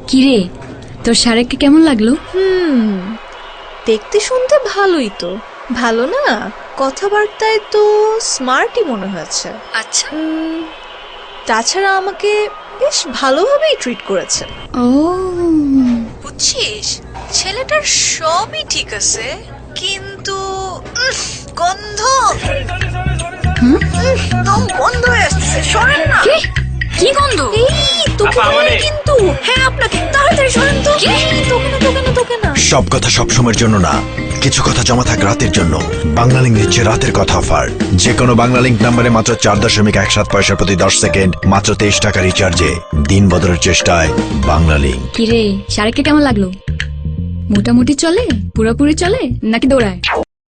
কিরে, তোর শারেককে কেমন লাগলো? দেখতে শুনতে ভালোই তো। ভালো না, কথাবার্তায় তো স্মার্টই মনে হয়েছে। আচ্ছা। তাছাড়া আমাকে বেশ ভালোভাবেই ট্রিট করেছে। ও বুঝছিস, ছেলেটার সবই ঠিক আছে, কিন্তু গন্ধ গন্ধ হয়ে আসছে। সরেন না। কি গন্ধ? এই তোকে বলে কিন্তু। হ্যাঁ আপনাকে, তাড়াতাড়ি সরেন তো। তোকে না। সব কথা সব সময়ের জন্য না, কিছু কথা জমা থাক রাতের জন্য। বাংলালিংক দিচ্ছে রাতের কথা অফার। যে কোনো বাংলালিংক নাম্বারে মাত্র 4.17 পয়সা প্রতি 10 সেকেন্ড, মাত্র 23 টাকা রিচার্জে দিন বদলের চেষ্টায় বাংলালিংক। কিরে, শারেককে কেমন লাগলো? মোটামুটি চলে, পুরোপুরি চলে নাকি দৌড়ায়?